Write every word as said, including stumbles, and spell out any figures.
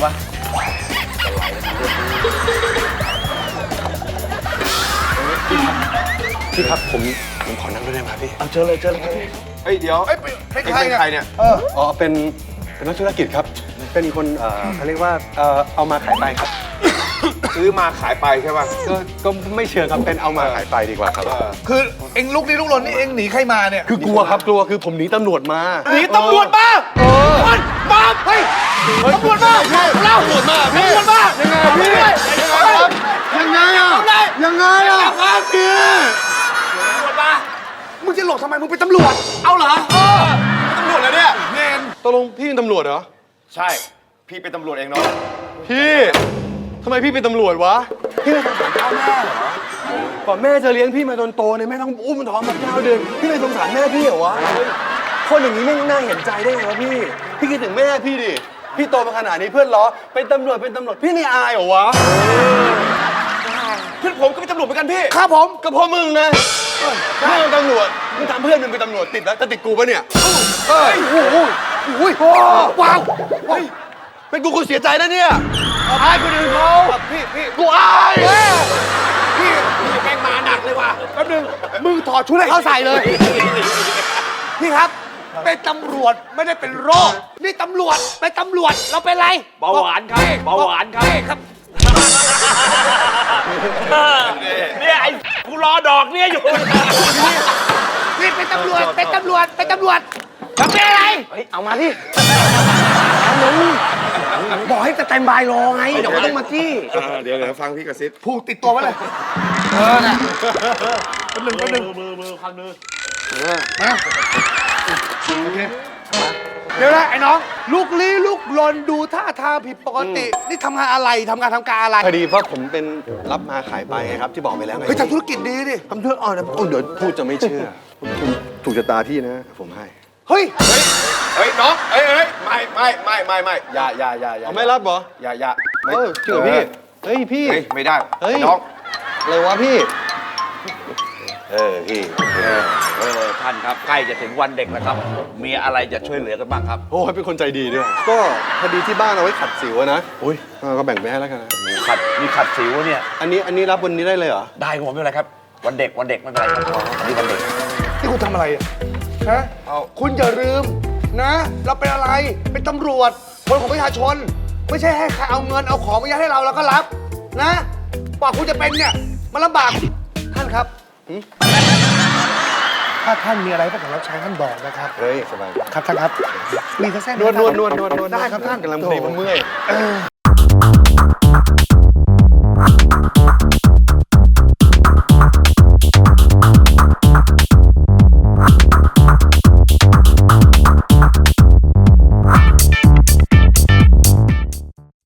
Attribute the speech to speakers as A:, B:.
A: ปะ
B: พี่ครับผมผมขอนั่งด้วยได้ไหมพี่
A: เอาเจอเลยเจอเลย
C: เฮ้ยเดี๋ยว
D: เอ้ยเป็นใคร
C: เป็นใครเนี่ย
D: เออ
B: อ๋อเป็นเป็นนักธุรกิจครับ เป็นคนเอ่อเขาเรียกว่าเอ่อเอามาขายไปครับ
C: ซื้อมาขายไปใช่ป่ะ
B: ก็ก็ไม่เชิงครับเป็นเอามาขายไปดีกว่าครับ
D: คือเอ็งลุกนี้ลุกลนนี่เอ็งหนีใครมาเนี่ย
B: คือกลัวครับกลัวคือผมหนีตำรวจมา
D: หนีตำรวจมาคนมาเฮ้ยตำรวจมาเล่าตำรวจมาตำรวจมายังไงพี่ยังไงอ่ะยังไงอ่ะครับพี่ตำรวจมามึงจะหลบทำไมมึงเป็นตำรวจเอาเหรอเออตำรวจเหรอเนี่ยเงิน
B: ตกลงพี่เป็นตำรวจเหรอ
C: ใช่พี่เป็นตำรวจเองเนาะ
B: พี่ทำไมพี่เป็นตำรวจวะพี่ไม่สงสารพ่อแม่เหรอก่อนแม่จะเลี้ยงพี่มาจนโตเนี่ยแม่ต้องอุ้มท้องมาเก้าเดือนพี่ไม่สงสารแม่พี่เหรอวะคนอย่างนี้ไม่น่าเห็นใจได้ไงวะพี่พี่คิดถึงแม่พี่ดิพี่โตมาขนาดนี้เพื่อนล้อเป็นตำรวจเป็นตำรวจพี่ไม่อายเหรอวะ
C: เพื่อนผมก็เป็นตำรวจเหมือนกันพี่
D: ครับผม
B: ก็เพราะมึงนะเพื่อนตำรวจมึงทำเพื่อนมึงเป็นตำรวจติดแล้วจะติดกูปะเนี่ย
D: เฮ้ยโอ้โหโอ้ยว้าว
B: เป็นกูกูเสียใจนะเนี่ยอายคนอื่นเขา
D: พี่พี่
B: กูอาย
D: พี่แม่งมาหนักเลยว่ะแป๊บนึงมึงถอดชุดให้เขาใส่เลย พี่ครับ เป็นตำรวจไม่ได้เป็นโรค นี่ตำรวจเป็นตำรวจเราเป็นไร
A: เบาหวานครับเบาหวานครับ
D: ครับ
A: เนี่ยไอ้กูรอดอกเนี่ยอยู่
D: นี่เป็นตำรวจเป็นตำรวจเป็นตำรวจจะเป็นอะไร
A: เฮ้ยเอามาดิ
D: บอกให้จะเต็มบายรอไงเดี๋ยวมันต้องมาจี้
C: เดี๋ยวเดี๋ยวฟังพี่กระซิบ
D: ผูกติดตัวไว้เลยเออน่ะแป๊บนึงแป๊บนึง
A: มือมือคันมือ
D: มาโอเคเดี๋ยวนะไอ้น้องลูกลี้ลูกลนดูท่าทางผิดปกติ นี่ทำงานอะไรทำงานทำการอะไร
B: พอดีเพราะผมเป็นรับมาขายไปไงครับที่บอกไปแล้วไง
D: เฮ้ยทำธุรกิจดีดิ
B: ทำธุรกิจอ๋อนะโอ้เดี๋ยวพูดจะไม่เชื่อผมถูกชะตาพี่นะผมให้
D: เฮ้ย
C: เฮ้ยเฮ้ยน้องเฮ้ยเฮ้ยไม่ไม่ไม่ไม่ไม่อย่าอย่าอย่าอย่า
B: เอาไม่รับเหรอ
C: อย่าอย่า
B: เออจริงเหรอพี่เฮ้ยพี่
C: เฮ้ยไม่ได้
B: เฮ้ย
C: น้อง
B: อะไรวะพี่
C: เออพี่
A: เออท่านครับใกล้จะถึงวันเด็กแล้วครับ มีอะไรจะช่วยเหลือกันบ้างครับ
B: โอ้ยเป็นคนใจดีด้วยก็พอดีที่บ้านเอาไว้ขัดสิวอะนะอุ้ยก็แบ่งไปให้แล้วกันนะ
A: มีขัดมีขัดสิวเนี่ย
B: อันนี้อันนี้รับวันนี้ได้เลยเหรอ
A: ได้ครับผมไม่เป็นไรครับ วันเด็กวันเด็กไม่เป็นไรครับอันนี้วันเด็ก
D: นี่คุณทำอะไรอะฮะคุณอย่าลืมนะ เราเป็นอะไรเป็นตำรวจคนของประชาชน ไม่ใช่ให้ใครเอาเงินเอาของมายัดให้เราเราก็รับนะกว่าคุณจะเป็นเนี่ยมันลำบากท่านครับถ้าท่านมีอะไรก็ขอรับใช้ท่านบอกนะครับ
B: เฮ้ยสบาย
D: ครับท่านครับมีกระแส
B: นวดนวดนวดนวดนวด
D: ได้ครับท่าน
B: กำลังพอดีผมเมื่อย